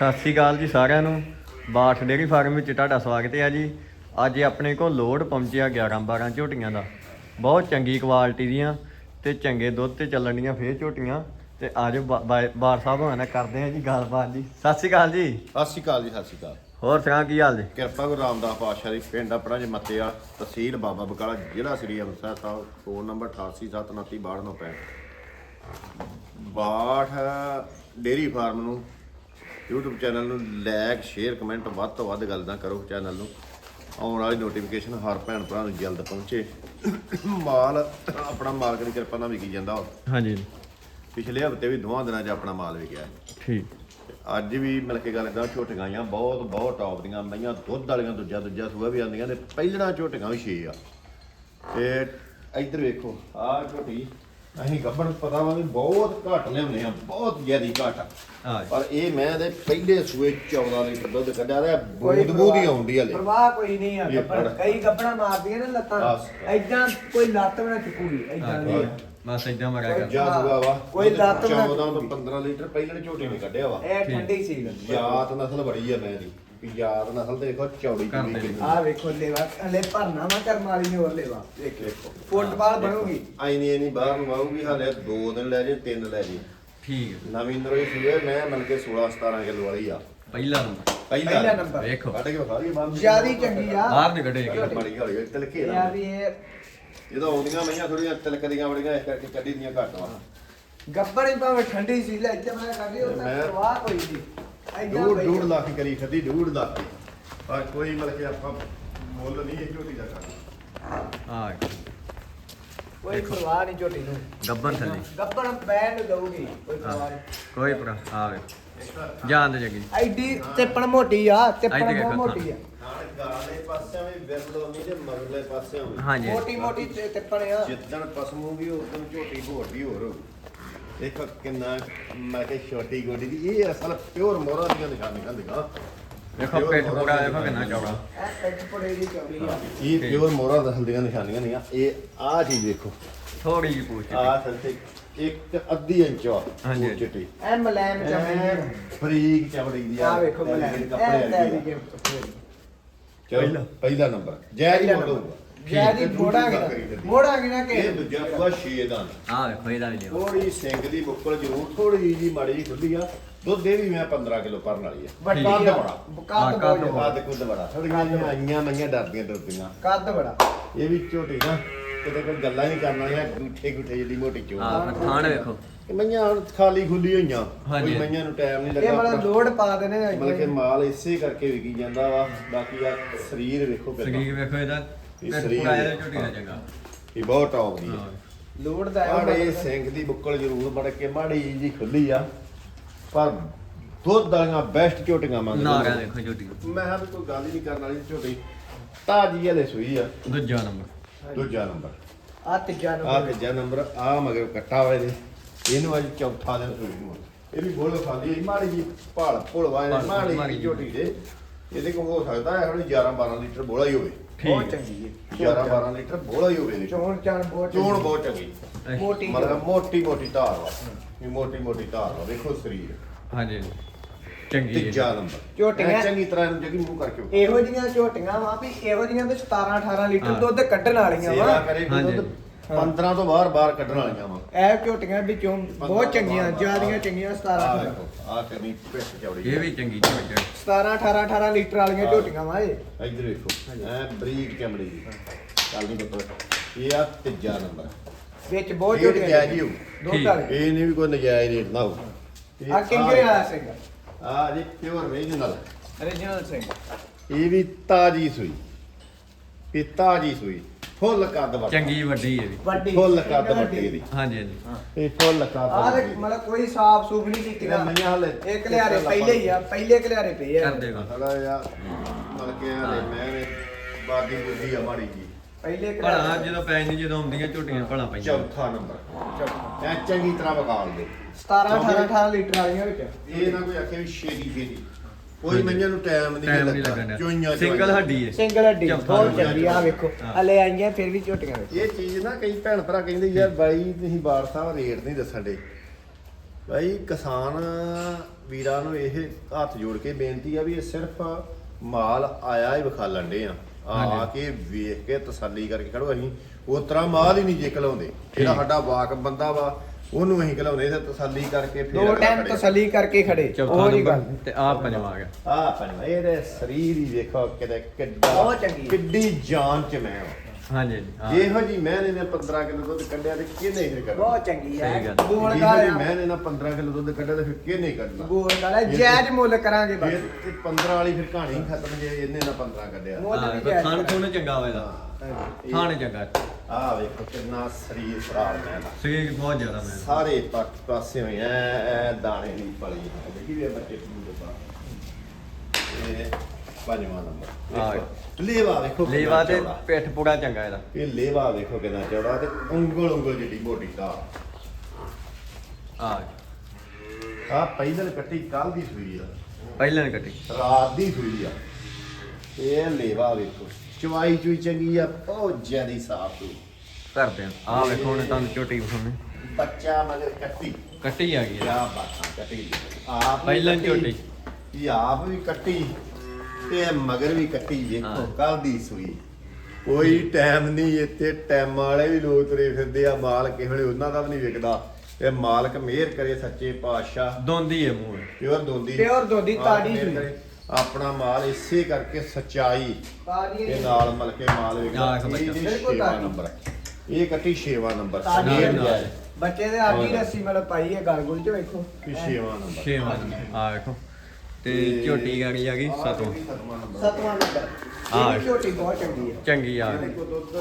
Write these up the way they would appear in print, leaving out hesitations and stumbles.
ਸਤਿ ਸ਼੍ਰੀ ਅਕਾਲ ਜੀ ਸਾਰਿਆਂ ਨੂੰ। ਬਾਠ ਡੇਅਰੀ ਫਾਰਮ ਵਿੱਚ ਤੁਹਾਡਾ ਸਵਾਗਤ ਹੈ ਜੀ। ਅੱਜ ਆਪਣੇ ਕੋਲ ਲੋਡ ਪਹੁੰਚਿਆ 11-12 ਝੋਟੀਆਂ ਦਾ, ਬਹੁਤ ਚੰਗੀ ਕੁਆਲਿਟੀ ਦੀਆਂ ਤੇ ਚੰਗੇ ਦੁੱਧ ਤੇ ਚੱਲਣ ਦੀਆਂ ਫੇਰ ਝੋਟੀਆਂ। ਤੇ ਅੱਜ ਬਾਰ ਸਾਹਿਬ ਹੋਣਾ ਕਰਦੇ ਆ ਜੀ ਗੱਲਬਾਤ ਜੀ। ਸਤਿ ਸ਼੍ਰੀ ਅਕਾਲ ਜੀ। ਸਤਿ ਸ਼੍ਰੀ ਅਕਾਲ ਜੀ, ਸਤਿ ਸ਼੍ਰੀ ਅਕਾਲ। ਹੋਰ ਸੁਣਾ ਕੀ ਹਾਲ ਜੀ? ਕਿਰਪਾ ਗੁਰੂ ਰਾਮਦਾਸ ਪਾਤਸ਼ਾਹ ਦੀ। ਪਿੰਡ ਆਪਣਾ ਜੀ ਮੱਤੇਆ, ਤਹਿਸੀਲ ਬਾਬਾ ਬਕਾਲਾ, ਜ਼ਿਲ੍ਹਾ Sri Amritsar Sahib. Phone number 8879326295। Bath dairy farm ਨੂੰ YouTube ਚੈਨਲ ਨੂੰ ਲਾਇਕ ਸ਼ੇਅਰ ਕਮੈਂਟ ਵੱਧ ਤੋਂ ਵੱਧ ਗੱਲਾਂ ਕਰੋ। ਚੈਨਲ ਨੂੰ ਆਉਣ ਵਾਲੀ ਨੋਟੀਫਿਕੇਸ਼ਨ ਹਰ ਭੈਣ ਭਰਾ ਨੂੰ ਜਲਦ ਪਹੁੰਚੇ। ਮਾਲ ਆਪਣਾ ਮਾਲਕ ਦੀ ਕਿਰਪਾ ਨਾਲ ਵਿਕੀ ਜਾਂਦਾ। ਹਾਂਜੀ ਪਿਛਲੇ ਹਫ਼ਤੇ ਵੀ ਦੋਵਾਂ ਦਿਨਾਂ 'ਚ ਆਪਣਾ ਮਾਲ ਵਿਕਿਆ। ਠੀਕ। ਅੱਜ ਵੀ ਮਿਲ ਕੇ ਗੱਲ ਕਰਾਂ, ਝੋਟੀਆਂ ਆਈਆਂ ਬਹੁਤ ਟੌਪ ਦੀਆਂ ਮਈਆਂ, ਦੁੱਧ ਵਾਲੀਆਂ ਦੂਜਾ ਸੂਆ ਵੀ ਆਉਂਦੀਆਂ ਤੇ ਪਹਿਲਣਾ ਝੋਟੀਆਂ ਵੀ 6 ਆ। ਤੇ ਇੱਧਰ ਵੇਖੋ ਆਹ ਝੋਟੀ ਅਸੀਂ ਗੱਭਣ ਪਤਾ ਵਾ ਵੀ ਬਹੁਤ ਘੱਟ ਲਿਆਉਂਦੇ ਆ, ਬਹੁਤ ਜ਼ਿਆਦੀ ਘੱਟ। ਪਰ ਇਹ ਮੈਂ ਦੇ ਪਹਿਲੇ ਸੂਏ 14 ਲੀਟਰ ਦੁੱਧ ਕੱਢਿਆ ਤੇ ਬੂਦ ਹੀ ਆਉਂਦੀ ਹਲੇ। ਪ੍ਰਵਾਹ ਕੋਈ ਨਹੀਂ ਆ। ਕਈ ਗੱਭਣਾ ਮਾਰਦੀਆਂ ਨੇ ਲੱਤਾਂ, ਐਦਾਂ ਕੋਈ ਲੱਤ ਵੀ ਨਾ ਚੁੱਕੂਗੀ, ਐਦਾਂ ਨਹੀਂ। ਬਸ ਇਦਾਂ ਮਰਿਆ ਕਰ ਜਾ ਸੂਆ ਵਾ ਕੋਈ ਲੱਤ 14 ਤੋਂ 15 ਲੀਟਰ ਪਹਿਲੇ ਝੋਟੀ ਨੇ ਕੱਢਿਆ ਵਾ। ਇਹ ਠੰਡੀ ਸੀ। ਯਾਤ ਨਸਲ ਬੜੀ ਆ ਮੈਂ ਦੀ ਯਾਦ ਨਸਲ ਤੇ ਦੇਖੋ ਚੌੜੀ ਚੌੜੀ। ਆਹ ਵੇਖੋ ਲੇਵਾ ਹਲੇ ਭਰਨਾ ਵਾ ਕਰਮ ਵਾਲੀ ਨੇ ਹੋਰ ਲੇਵਾ ਦੇਖੋ ਫੁੱਟਬਾਲ ਬਣੂਗੀ। ਆਈ ਨਹੀਂ ਬਾਹਰ ਨੂੰ ਆਊਗੀ, ਹਾਲੇ 2 ਦਿਨ ਲੈ ਜੇ 3 ਲੈ ਜੇ। ਠੀਕ ਹੈ। ਨਵੀਂ ਨਰੋਈ ਸੂਏ ਮੈਂ ਮਨ ਕੇ 16-17 ਕਿਲੋ ਵਾਲੀ ਆ। ਪਹਿਲਾ ਨੰਬਰ ਪਹਿਲਾ ਨੰਬਰ ਵੇਖੋ ਕੱਢ ਕੇ ਵਿਖਾ ਰਹੀ ਬੰਦ ਜਿਆਦੀ ਚੰਗੀ ਆ। ਬਾਹਰ ਨਹੀਂ ਕੱਢੇ ਬੜੀ ਹੌਲੀ ਤਿਲਕੇ ਇਹ ਆ ਵੀ ਇਹ ਜਦੋਂ ਆਉਂਦੀਆਂ ਮਈਆਂ ਥੋੜੀਆਂ ਤਿਲਕਦੀਆਂ ਬੜੀਆਂ, ਇਸ ਕਰਕੇ ਕੱਢੀ ਦੀਆਂ ਘੱਟ ਵਾ। ਗੱਬੜੀ ਭਾਵੇਂ ਠੰਡੀ ਸੀ ਲੈ ਇੱਥੇ ਮੈਂ ਕੱਢੀ ਉਹ ਤਾਂ ਪ੍ਰਵਾਹ ਕੋਈ ਨਹੀਂ। ਐਦਾਂ 2.5 ਲੱਖ ਕਰੀ ਖੱਦੀ 2.5 ਲੱਖ ਦੀ। ਪਰ ਕੋਈ ਮਤਲਬ ਕਿ ਆਪਾਂ ਮੁੱਲ ਨਹੀਂ ਇਹ ਝੋਟੀ ਦਾ ਕਰਨਾ। ਹਾਂ ਕੋਈ ਪ੍ਰਵਾਹ ਨਹੀਂ ਝੋਟੀ ਨੂੰ। ਗੱਬਨ ਥੱਲੇ ਗੱਬਣ ਬੈਂਡ ਦਊਗੀ ਕੋਈ ਪ੍ਰਵਾਹ ਨਹੀਂ। ਕੋਈ ਭਰਾ ਆਵੇ ਜਾਣ ਦੇ ਜਗੀ ਐਡੀ ਤਿੱਪਣ ਮੋਟੀ ਆ, ਤਿੱਪਣ ਇੱਥੇ ਬਹੁਤ ਦੇਖੋ ਮੋਟੀ ਆ। ਨਾਲ ਗਾਲੇ ਪਾਸਿਆਂ ਵੀ ਵਿਰਲੋਨੀ ਤੇ ਮਗਰਲੇ ਪਾਸਿਆਂ ਵੀ ਹਾਂਜੀ ਮੋਟੀ ਮੋਟੀ ਤਿੱਪਣ ਆ। ਜਿੱਦਣ ਪਸਮੂ ਵੀ ਉਦੋਂ ਝੋਟੀ ਭੋਟੀ ਹੋਰ ਹੋਊ। ਦੇਖੋ ਕਿੰਨਾ ਮੈਂ ਕਿ ਛੋਟੀ ਗੋਡੀ ਦੀ ਇਹ ਅਸਲ ਪਿਓਰ ਮੋਹਰਾਂ ਦੀਆਂ ਨਿਸ਼ਾਨੀਆਂ ਦਿਖਾ। ਦੇਖੋ ਪਿੱਠ ਪੂਰਾ ਦੇਖੋ ਕਿੰਨਾ ਚੌੜਾ। ਇਹ ਪਿੱਠ ਪੜੇ ਦੀ ਚੌੜੀ ਆ। ਇਹ ਪਿਓਰ ਮੋਹਰਾਂ ਦਸਲ ਦੀਆਂ ਨਿਸ਼ਾਨੀਆਂ ਨਹੀਂ ਆ। ਇਹ ਆਹ ਚੀਜ਼ ਦੇਖੋ, ਥੋੜੀ ਜਿਹੀ ਪੂਛ ਆਹ ਸੰਤੇ ਇੱਕ ਅੱਧੀ ਇੰਚ ਆ ਹਾਂਜੀ। ਚਿੱਟੀ ਇਹ ਮਲੈਮ ਚਮੜੀ ਫਰੀਕ ਚਮੜੀ ਦੀ ਆ ਵੇਖੋ ਮਲੈਮ ਕੱਪੜੇ ਇਹ ਵਾਲੀ ਦੀ ਚਲੋ ਪਹਿਲਾ ਨੰਬਰ ਜੈ ਜੀ ਮੋੜੋ ਜਿਆਦੀ ਮੋੜਾਂਗੇ ਨਾ ਕਿ ਇਹ ਦੂਜਾ ਪੂਰਾ 6 ਦਾ ਆ ਵੇਖੋ ਇਹਦਾ ਵੀ ਲਿਓ ਥੋੜੀ ਸਿੰਘ ਦੀ ਬੁੱਕਲ ਜ਼ਰੂਰ ਥੋੜੀ ਜੀ ਮਾੜੀ ਜੀ ਖੁੱਲੀ ਆ। ਦੁੱਧ ਦੇ ਵੀ ਮੈਂ 15 ਕਿਲੋ ਭਰਨ ਵਾਲੀ ਆ। ਵੱਡੀ ਕੱਦ ਆ। ਬੜਾ ਕੱਦ ਕੱਦ ਬਹੁਤ ਕੱਦ ਕੁੱਦ ਬੜਾ। ਥੋੜੀਆਂ ਆਈਆਂ ਮਈਆਂ ਡਰਦੀਆਂ ਡਰਦੀਆਂ। ਕੱਦ ਬੜਾ। ਇਹ ਵੀ ਝੋਟੀ ਨਾ ਕਿਤੇ ਕੋਈ ਗੱਲਾਂ ਨਹੀਂ ਕਰਨੀਆਂ, ਗੁੱਠੇ ਜਿਹੜੀ ਮੋਟੀ ਚੋਂ ਆ ਥਾਣ ਵੇਖੋ ਮਈਆਂ ਹੁਣ ਖਾਲੀ ਖੁੱਲੀ ਹੋਈਆਂ। ਹਾਂਜੀ। ਕੋਈ ਮਈਆਂ ਨੂੰ ਟਾਈਮ ਨਹੀਂ ਇਹ ਲੱਗਾ। ਮਤਲਬ ਲੋਡ ਪਾ ਦੇਣੇ ਮਤਲਬ ਕਿ ਮਾਲ ਇਸੇ ਕਰਕੇ ਵਿਕੀ ਜਾਂਦਾ ਵਾ। ਬਾਕੀ ਆ ਸਰੀਰ ਵੇਖੋ ਕਿੰਨਾ ਸਰੀਰ ਵੇਖੋ ਇਹਦਾ ਇਹ ਪਿੱਠ ਸਰੀਰ ਪੂਰਾ ਇਹਦਾ ਝੋਟੀ ਦਾ ਚੰਗਾ। ਇਹ ਬਹੁਤ ਟੌਪ ਦੀ ਆ। ਹਾਂ ਲੋਡ ਦਾ ਮਾੜੇ ਸਿੰਘ ਦੀ ਬੁੱਕਲ ਜ਼ਰੂਰ ਬੜ ਕੇ ਮਾੜੀ ਜੀ ਖੁੱਲੀ ਆ, ਪਰ ਦੁੱਧ ਵਾਲੀਆਂ ਬੈਸਟ ਝੋਟੀਆਂ ਨਾ ਮੰਗਦੇ ਵੇਖੋ ਝੋਟੀ ਮੈਂ ਕਿਹਾ ਵੀ ਕੋਈ ਗੱਲ ਹੀ ਨਹੀਂ ਕਰਨ ਵਾਲੀ ਝੋਟੀ ਤਾਜੀ ਹਲੇ ਸੂਈ ਆ। ਦੂਜਾ ਨੰਬਰ ਦੂਜਾ ਨੰਬਰ ਆ ਤੀਜਾ ਆ ਨੰਬਰ ਤੀਜਾ ਨੰਬਰ ਆ ਮਗਰ ਕੱਟਾ ਹੋਇਆ ਇਹਦੇ। ਇਹਨੂੰ ਅੱਜ ਚੌਥਾ ਦਿਨ ਸੂਈ ਨੂੰ। ਇਹ ਵੀ ਬੋਲ ਖਾਲੀ ਮਾੜੀ ਜੀ ਭਾਲ ਭੁਲਵਾ ਮਾੜੀ ਜੀ ਝੋਟੀ ਦੇ। ਇਹਦੇ ਕੋਲ ਹੋ ਸਕਦਾ ਹੈ ਹੁਣ 11-12 ਲੀਟਰ ਬੋਲਾ ਹੀ ਹੋਵੇ। ਬਹੁਤ ਠੀਕ ਹੈ। ਚੰਗੀ ਹੈ। 11-12 ਲੀਟਰ ਬੋਲਾ ਹੀ ਹੋਵੇ ਇਹਦੇ ਕੋਲ। ਚੋਣ ਚਾਣ ਬਹੁਤ ਚੋਣ ਬਹੁਤ ਚੰਗੀ, ਮੋਟੀ ਮਤਲਬ ਮੋਟੀ ਧਾਰ ਵਾ। ਇਹ ਮੋਟੀ ਧਾਰ ਵਾ। ਵੇਖੋ ਸਰੀਰ। ਹਾਂਜੀ ਚੰਗੀ ਹੈ। ਤੀਜਾ ਨੰਬਰ ਝੋਟੀਆਂ ਚੰਗੀ ਤਰ੍ਹਾਂ ਇਹਨੂੰ ਜਗੀ ਮੂੰਹ ਕਰਕੇ ਵਿਖਾ। ਇਹੋ ਜੀਆਂ ਝੋਟੀਆਂ ਵਾ ਵੀ ਇਹੋ ਜੀਆਂ ਤੇ 17-18 ਲੀਟਰ ਦੁੱਧ ਕੱਢਣ ਵਾਲੀਆਂ ਸੇਵਾ ਵਾ। ਕਰੇ ਕੋਈ ਹਾਂਜੀ। ਦੁੱਧ 15 ਤੋਂ ਬਾਹਰ ਕੱਢਣ ਵਾਲੀਆਂ ਵਾ। ਇਹ ਝੋਟੀਆਂ ਵਿੱਚੋਂ ਬਹੁਤ ਚੰਗੀਆਂ, ਜਿਆਦੀਆਂ ਚੰਗੀਆਂ 17-18 ਆ ਕਰਨੀ ਪਿੱਠ ਚੌੜੀ। ਇਹ ਵੀ ਚੰਗੀ ਝੋਟੀ 17-18 ਲੀਟਰ ਵਾਲੀਆਂ ਝੋਟੀਆਂ ਵਾ ਇਹ। ਇੱਧਰ ਵੇਖੋ ਐ ਬਰੀਕ ਚਮੜੀ ਦੀ। ਚੱਲ ਨਹੀਂ ਪਤਾ। ਇਹ ਆ ਤੀਜਾ ਨੰਬਰ। ਵਿੱਚ ਬਹੁਤ ਇਹ ਝੋਟੀਆਂ ਨਜਾਇਜ਼ ਹੀ ਹੋਊ। ਦੁੱਧ ਵਾਲੇ ਇਹ ਨਹੀਂ ਵੀ ਕੋਈ ਨਜਾਇਜ਼ ਰੇਟ ਨਾ ਹੋ। ਆ ਕਿੰਗਰੇ ਵਾਲਾ ਸਿੰਘ ਆ ਜੀ ਪਿਓਰ ਰੀਜਨਲ। origignal ਸਿੰਘ। ਇਹ ਵੀ ਤਾਜੀ ਸੂਈ। ਇਹ ਤਾਜੀ ਸੂਈ ਫੁੱਲ ਕੱਦ ਵੱਟ। ਚੰਗੀ ਵੱਡੀ ਹੈ ਵੀ ਵੱਡੀ ਫੁੱਲ ਕੱਦ ਵੱਟੀ ਦੀ। ਹਾਂਜੀ ਹਾਂਜੀ ਇਹ ਫੁੱਲ ਕੱਦ ਆਹ ਵੱਟੀ। ਮਤਲਬ ਕੋਈ ਸਾਫ ਸੂਫ ਨਹੀਂ ਕੀਤੀ ਨਾ। ਮਈਆਂ ਹਲੇ ਇਹ ਕਲਿਆਰੇ ਪਹਿਲੇ ਹੀ ਆ, ਪਹਿਲੇ ਕਲਿਆਰੇ ਪਏ ਆ। ਕਰ ਦੇਗਾ ਥੋੜਾ ਜਿਹਾ ਮਤਲਬ ਕਿ ਹਲੇ ਮੈਂ ਨੇ ਬਾਦੀ ਬੁੱਧੀ ਆ ਮਾੜੀ ਜੀ। ਪਹਿਲੇ ਭਲਾ ਕਲਿਆਰੇ ਜਦੋਂ ਪੈ ਨਹੀਂ ਜਦੋਂ ਆਉਂਦੀਆਂ ਝੋਟੀਆਂ ਭਲਾ ਪੈਂਦੀਆਂ। ਚੌਥਾ ਨੰਬਰ ਐ ਚੰਗੀ ਤਰ੍ਹਾਂ ਵਕਾਲ ਦੇ। 17-18 ਲੀਟਰ ਵਾਲੀਆਂ ਵਿੱਚ। ਇਹ ਨਾ ਕੋਈ ਆਖੇ ਵੀ ਛੇਤੀ ਕੋਈ ਮਈਆਂ ਨੂੰ ਟਾਈਮ ਟਾਈਮ ਨਹੀਂ ਲੱਗਾ। ਲੱਗਣਾ। ਚੋਈਆਂ ਸਿੰਗਲ ਹੱਡੀ ਹੈ। ਸਿੰਗਲ ਹੱਡੀ ਚੌਥਾ ਬਹੁਤ ਨੰਬਰ। ਚੰਗੀ ਆ ਵੇਖੋ। ਹਲੇ ਆਈਆਂ ਫਿਰ ਵੀ ਝੋਟੀਆਂ ਵਿੱਚ। ਇਹ ਚੀਜ਼ ਨਾ ਕਈ ਭੈਣ ਭਰਾ ਕਹਿੰਦੇ ਯਾਰ ਬਾਈ ਤੁਸੀਂ ਬਾੜ ਸਾਹਿਬ ਰੇਟ ਨਹੀਂ ਦੱਸਣ ਦੇ। ਬਾਈ ਕਿਸਾਨ ਵੀਰਾਂ ਨੂੰ ਇਹ ਹੱਥ ਜੋੜ ਕੇ ਬੇਨਤੀ ਆ ਵੀ ਇਹ ਸਿਰਫ ਮਾਲ ਆਇਆ ਹੀ ਵਿਖਾਲਣ ਡੇ ਆ ਕੇ ਵੇਖ ਕੇ ਤਸੱਲੀ ਕਰਕੇ ਖੜੋ। ਅਸੀਂ ਉਸ ਤਰ੍ਹਾਂ ਮਾਲ ਹੀ ਨਹੀਂ ਜੇ ਘਲਾਉਂਦੇ, ਜਿਹੜਾ ਸਾਡਾ ਵਾਕ ਬੰਦਾ ਵਾ ਉਹਨੂੰ ਅਸੀਂ ਘਲਾਉਂਦੇ ਤੇ ਤਸੱਲੀ ਕਰਕੇ ਫਿਰ ਦੋ ਟਾਈਮ ਤਸੱਲੀ ਕਰਕੇ ਖੜੇ ਚੌਥਾ ਉਹ ਨਹੀਂ ਗੱਲ ਨੰਬਰ ਤੇ ਆ ਪੰਜਵਾਂ ਆ ਗਿਆ। ਆ ਪੰਜਵਾਂ ਇਹਦੇ ਸਰੀਰ ਹੀ ਵੇਖੋ ਕਿਤੇ ਕਿੱਡਾ ਬਹੁਤ ਚੰਗੀ ਹੈ। ਕਿੱਡੀ ਜਾਨ ਚ ਮੈਂ ਹਾਂਜੀ ਜੀ ਹਾਂ। ਇਹੋ ਜੀ ਮੈਂ ਨੇ 15 ਕਿਲੋ ਦੁੱਧ ਕੱਢਿਆ ਤੇ ਕਿਹਨੇ ਇਹ ਕਰਨਾ? ਬਹੁਤ ਚੰਗੀ ਹੈ ਸਹੀ ਗੱਲ। ਗੋਲ ਇਹੋ ਜੀ ਗਾਲ ਮੈਂ ਨੇ 15 ਕਿਲੋ ਦੁੱਧ ਕੱਢਿਆ ਤੇ ਫਿਰ ਕਿਹਨੇ ਕੱਢਣਾ? ਗੋਲ ਗਾਲ ਹੈ, ਜਾਇਜ਼ ਮੁੱਲ ਕਰਾਂਗੇ ਬਸ। ਇਹ 15 ਵਾਲੀ ਫਿਰ ਕਹਾਣੀ ਹੀ ਖਤਮ ਜੇ ਇਹਨੇ ਨਾ 15 ਕੱਢਿਆ। ਮੁੱਲ ਵੀ ਹਾਂ, ਜਾਇਜ਼ ਖਾਣ ਖੂਨ ਚੰਗਾ ਹੋਵੇਗਾ, ਖਾਣ ਚੰਗਾ, ਆ ਵੇਖੋ ਕਿੰਨਾ ਸਰੀਰ ਫਰਾਰ ਮੈਂ ਦਾ ਸਰੀਰ ਬਹੁਤ ਜ਼ਿਆਦਾ ਮੈਂ ਸਾਰੇ ਪਾਸੇ ਹੋਏ ਐ ਦਾਣੇ ਦੀ ਪਲੀ ਦੇਖੀ ਵੀ ਇਹ ਬੱਚੇ ਨੂੰ ਦੇ ਪਾ ਇਹ ਪੰਜਵਾਂ ਨੰਬਰ ਹਾਂ। ਲੇਵਾ ਵੇਖੋ ਕਿੰਨਾ ਲੇਵਾ ਤੇ ਚੌੜਾ। ਪਿੱਠ ਪੂਰਾ ਚੰਗਾ ਇਹਦਾ। ਇਹ ਲੇਵਾ ਵੇਖੋ ਕਿੰਨਾ ਚੌੜਾ ਤੇ ਉਂਗਲ ਜਿੱਡੀ ਮੋਟੀ ਦਾ ਆ ਆ ਪਹਿਲਾਂ ਕੱਟੀ ਕੱਲ ਦੀ ਸੂਈ ਆ, ਪਹਿਲਾਂ ਨੇ ਕੱਟੀ। ਰਾਤ ਦੀ ਸੂਈ ਆ। ਇਹ ਲੇਵਾ ਵੇਖੋ ਚਵਾਈ ਚੂਈ ਚੰਗੀ ਆ, ਬਹੁਤ ਜ਼ਿਆਦੀ ਸਾਫ ਸੂਈ। ਕਰਦੇ ਆ ਵੇਖੋ ਹੁਣ ਤੁਹਾਨੂੰ ਝੋਟੀ ਵਿਖਾਉਣੇ। ਬੱਚਾ ਮਗਰ ਕੱਟੀ ਕੱਟੀ ਆ ਗਈ ਕਿਆ ਆ। ਬਾਤਾਂ ਕੱਟੀ ਆਪ ਪਹਿਲਾਂ ਝੋਟੀ। ਇਹ ਆਪ ਵੀ ਕੱਟੀ ਤੇ ਮਗਰ ਵੀ ਕੱਟੀ ਵੇਖੋ ਹਾਂ। ਕੱਲ ਦੀ ਸੂਈ। ਕੋਈ ਟਾਈਮ ਨਹੀਂ ਇੱਥੇ ਟਾਈਮ ਵਾਲੇ ਵੀ ਲੋਕ ਤੁਰੇ ਫਿਰਦੇ ਆ, ਮਾਲ ਕਿਸੇ ਵੇਲੇ ਉਹਨਾਂ ਦਾ ਵੀ ਨਹੀਂ ਵਿਕਦਾ। ਇਹ ਮਾਲਕ ਮਿਹਰ ਕਰੇ ਸੱਚੇ ਪਾਤਸ਼ਾਹ, ਦੋਂਦੀ ਹੈ ਮੂੰਹ। ਪਿਓਰ ਦੋਂਦੀ Pure ਦੋਂਦੀ, ਮਾਲਕ ਤਾੜੀ ਮਿਹਰ ਸੂਈ। ਕਰੇ। ਆਪਣਾ ਮਾਲ ਇਸੇ ਕਰਕੇ ਸੱਚਾਈ ਤਾਜ਼ੀ ਦੇ ਨਾਲ ਮਿਲ ਕੇ ਮਾਲ ਵਿਕਦਾ। ਆਹ ਇੱਕ ਬੱਚਾ। ਬਿਲਕੁਲ 6ਵਾਂ ਤਾਜ਼ੀ। ਨੰਬਰ ਇਹ ਕੱਟੀ 6ਵਾਂ ਨੰਬਰ ਤਾਜ਼ੀ ਸਰੀਰ ਨਾਲ। ਜਾਏ ਬੱਚੇ ਦੇ ਆਗੀ ਰੱਸੀ ਮਤਲਬ ਪਾਈ ਹੈ ਗਲ ਗੁਲ ਚ ਵੇਖੋ 6ਵਾਂ ਨੰਬਰ 6ਵਾਂ ਆ ਵੇਖੋ ਤੇ ਝੋਟੀ ਗਾੜੀ ਆ ਗਈ 7ਵਾਂ। 7ਵਾਂ ਨੰਬਰ ਹਾਂ। ਇਹ ਝੋਟੀ ਬਹੁਤ ਚੰਗੀ ਹੈ ਚੰਗੀ ਆ ਗਈ।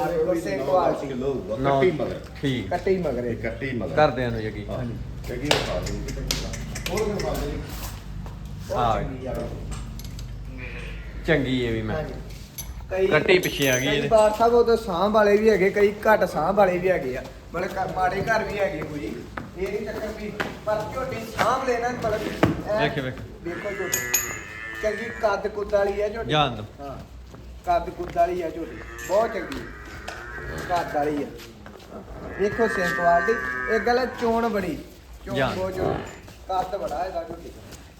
ਨੌ ਕੱਟੀ ਮਗਰ ਠੀਕ। ਕੱਟੀ ਮਗਰੇ ਕੱਟੀ ਮਗਰ ਕਰਦਿਆਂ ਨੂੰ ਯਕੀ। ਕਿਉਂਕਿ ਉਹ ਖਾ ਦੇ ਹੋਰ ਖਾ ਦੇ ਹਾਂ। ਚੰਗੀ ਆ ਚੰਗੀ ਹੈ ਵੀ ਮੈਂ। ਹਾਂਜੀ। ਕਈ ਕੱਟੀ ਪਿੱਛੇ ਆ ਗਈ ਕਈ ਇਹਦੇ। ਬਾਰ ਸਾਹਿਬ ਉਹ ਸਾਂਭ ਵਾਲੇ ਵੀ ਹੈਗੇ, ਕਈ ਘੱਟ ਸਾਂਭ ਵਾਲੇ ਵੀ ਹੈਗੇ ਆ, ਮਤਲਬ ਮਾੜੇ ਘਰ ਵੀ ਹੈਗੇ ਕੋਈ ਇਹ ਨਹੀਂ ਚੱਕਰ ਵੀ, ਪਰ ਝੋਟੀ ਸਾਂਭ ਲੈਣਾ ਮਤਲਬ ਐਂ ਵੇਖ ਵੇਖ। ਦੇਖੋ ਝੋਟੀ ਚੰਗੀ ਕੱਦ ਕੁੱਦ ਵਾਲੀ ਹੈ ਝੋਟੀ। ਜਾਣ ਦੋ। ਹਾਂ ਕੱਦ ਕੁੱਦ ਵਾਲੀ ਹੈ ਝੋਟੀ, ਬਹੁਤ ਚੰਗੀ ਕੱਦ ਵਾਲੀ ਹੈ। ਵੇਖੋ ਸਿੰਘ ਕੁਆਲਿਟੀ, ਇਹ ਗੱਲ ਹੈ ਚੋਣ ਬੜੀ, ਚੋਣ ਜਾਣ। ਬਹੁਤ ਚੋਣ, ਕੱਦ ਬੜਾ ਇਹਦਾ ਝੋਟੀ।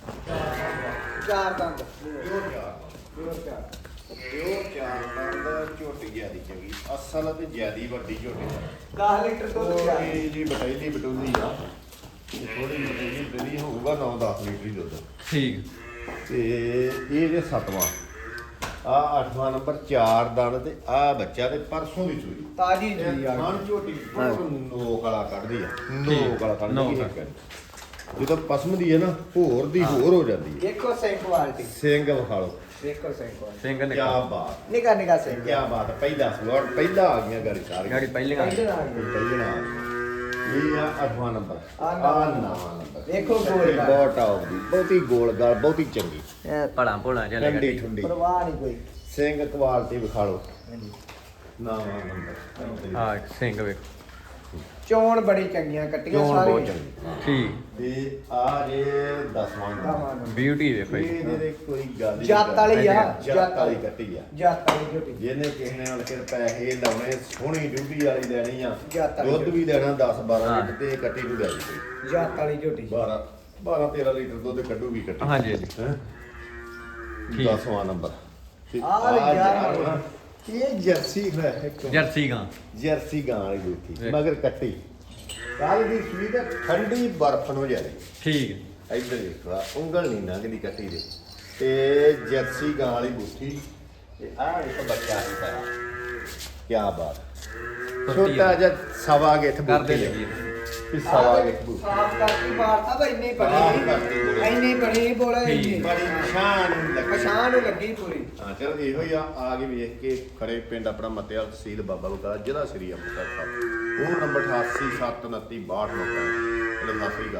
ਚਾਰ ਦੰਦ ਪਿਓਰ ਚਾਰ ਪਿਓਰ ਚਾਰ ਦੰਦ ਝੋਟੀ ਜਿਆਦੀ ਚੰਗੀ, ਅਸਲ ਤੇ ਜਿਆਦੀ ਵੱਡੀ ਝੋਟੀ 10 ਲੀਟਰ ਦੁੱਧ ਪਿਆ ਥੋੜੀ ਜੀ ਬਟੈਲੀ ਬਟੂਲੀ ਆ, ਥੋੜੀ ਬਟੈਲੀ ਜਿਹੜੀ ਹੋਊਗਾ 9-10 ਲੀਟਰ ਹੀ ਦੁੱਧ। ਠੀਕ। ਤੇ ਇਹ ਜੇ 7ਵਾਂ ਆ 8ਵਾਂ ਨੰਬਰ 4 ਦੰਦ ਤੇ ਆ ਬੱਚਾ ਤੇ ਪਰਸੋਂ ਦੀ ਸੂਈ ਤਾਜੀ ਜੀ ਆ ਖਾਣ ਝੋਟੀ ਨੋਕ ਵਾਲਾ ਕੱਢਦੀ ਆ, ਨੋਕ ਵਾਲਾ ਨੋਕ। ਕੱਢਦੀ ਆ। ਜਦੋਂ ਪਸਮ ਦੀ ਹੈ ਨਾ ਹੋਰ ਦੀ ਹੋਰ ਹੋ ਜਾਂਦੀ ਹੈ। ਦੇਖੋ ਸਿੰਘ ਕੁਆਲਿਟੀ, ਸਿੰਘ ਵਿਖਾ ਲਓ ਦੇਖੋ ਸਿੰਘ ਕੁਆਲਿਟੀ, ਸਿੰਘ ਨੇ ਕਿਆ ਬਾਤ, ਨਿਕਾ ਨਿਕਾ ਸਿੰਘ ਕਿਆ ਬਾਤ। ਪਹਿਲਾ ਸਵਾਰ ਪਹਿਲਾ ਆ ਗਈਆਂ ਗਾੜੀ ਸਾਰੀਆਂ ਗਾੜੀ ਪਹਿਲੀਆਂ। ਪਹਿਲਾਂ ਆ ਗਈ। ਪਹਿਲਾ ਇਹ ਆ 8ਵਾਂ ਨੰਬਰ ਆਹ ਆ ਨੌਵਾਂ 9ਵਾਂ ਨੰਬਰ। ਦੇਖੋ ਗੋਲ ਗਾਲ। ਬਹੁਤ ਟੌਪ ਦੀ, ਬਹੁਤੀ ਗੋਲ ਗਾਲ, ਬਹੁਤੀ ਚੰਗੀ, ਭਲਾ ਭੋਲਾ ਜਿਹਾ ਠੰਡੀ ਲੱਗਾ। ਠੰਡੀ। ਪਰਵਾਹ ਨਹੀਂ ਕੋਈ। ਸਿੰਘ ਕੁਆਲਿਟੀ ਵਿਖਾ ਲਓ ਹਾਂਜੀ। 9ਵਾਂ ਨੰਬਰ। ਹਾਂ ਸਿੰਘ ਵੇਖ। ਚੋਣ ਬੜੀ ਚੰਗੀਆਂ ਕੱਟੀਆਂ ਚੋਣ ਬਹੁਤ ਸਾਰੀਆਂ। ਚੰਗੀ। ਠੀਕ। ਤੇ ਆ ਜੇ 10ਵਾਂ ਦਵਾਂ ਨੰਬਰ। ਨੂੰ। ਬਿਊਟੀ ਵੇਖੋ ਜੀ। ਇਹਦੇ ਦੇ ਕੋਈ ਗੱਲ ਹੀ ਜੱਤ ਵਾਲੀ ਆ, ਜੱਤ ਵਾਲੀ ਕੱਟੀ ਆ। ਜੱਤ ਵਾਲੀ ਝੋਟੀ। ਜਿਹਨੇ ਕਿਸੇ ਨੇ ਹੁਣ ਫਿਰ ਪੈਸੇ ਲਾਉਣੇ, ਸੋਹਣੀ ਡਿਊਟੀ ਵਾਲੀ ਲੈਣੀ ਆ, ਜੱਤ ਵਾਲੀ ਦੁੱਧ ਵੀ ਲੈਣਾ 10-12 ਹਾਂ। ਲੀਟਰ ਤੇ ਇਹ ਕੱਟੀ ਨੂੰ ਲੈ ਜੀ ਜੱਤ ਵਾਲੀ ਝੋਟੀ। 12-13 ਲੀਟਰ ਦੁੱਧ ਕੱਢੂਗੀ ਕੱਟੀ। ਹਾਂਜੀ ਹਾਂਜੀ। ਹੈਂ? ਠੀਕ। 10ਵਾਂ ਨੰਬਰ ਤੇ ਆਹ ਵੀ ਆਹ ਯਾਰ ਜਾਨਵਰ, ਇਹ ਜਰਸੀ ਹੈ ਇੱਕ ਜਰਸੀ ਗਾਂ। ਜਰਸੀ ਗਾਂ ਵਾਲੀ ਬੂਥੀ ਵੇਖ। ਮਗਰ ਕੱਟੀ ਕੱਲ ਦੀ ਸੂਈ ਤੇ ਠੰਡੀ ਬਰਫ਼ ਨੂੰ ਜਾਰੀ। ਠੀਕ। ਇੱਧਰ ਦੇਖੋ ਉਂਗਲ ਨਹੀਂ ਲੰਘਦੀ ਕੱਟੀ ਦੇ ਤੇ ਜਰਸੀ ਗਾਂ ਵਾਲੀ ਬੂਥੀ ਤੇ ਆਹ ਇੱਕ ਬੱਚਾ ਹੀ ਪਾਇਆ। ਕੀ ਬਾਤ, ਛੋਟਾ ਜਿਹਾ ਸਵਾ ਗਿੱਠ ਕਰਦੇ ਬੂਥੀ ਲੱਗੀ। ਕਿ ਸਵਾ ਗਿੱਠ ਬੂਥੀ ਸਾਫ ਕਰਤੀ ਬਾਰ ਸਾਹਿਬ ਇੰਨੀ ਸਾਫ਼ ਬਣੀ, ਕਰਤੀ ਬੋਲੇ। ਇੰਨੀ ਬਣੀ ਬੋਲੇ ਠੀਕ। ਇੰਨੀ ਬੜੀ ਨਿਸ਼ਾਨ ਲੱਗੀ। ਪਛਾਣ ਨੂੰ ਲੱਗੀ ਪੂਰੀ। ਹਾਂ ਚਲੋ ਇਹੋ ਹੀ ਆ ਕੇ ਵੇਖ ਕੇ ਖੜੇ ਪਿੰਡ ਆਪਣਾ ਮੱਤੇਵਾਲ ਤਹਿਸੀਲ ਬਾਬਾ ਬਕਾਲਾ ਜ਼ਿਲ੍ਹਾ ਸ੍ਰੀ ਅੰਮ੍ਰਿਤਸਰ ਸਾਹਿਬ। ਉਹ ਨੰਬਰ 88 729 62 ਚਲੋ ਸਤਿ ਸ੍ਰੀ ਅਕਾਲ।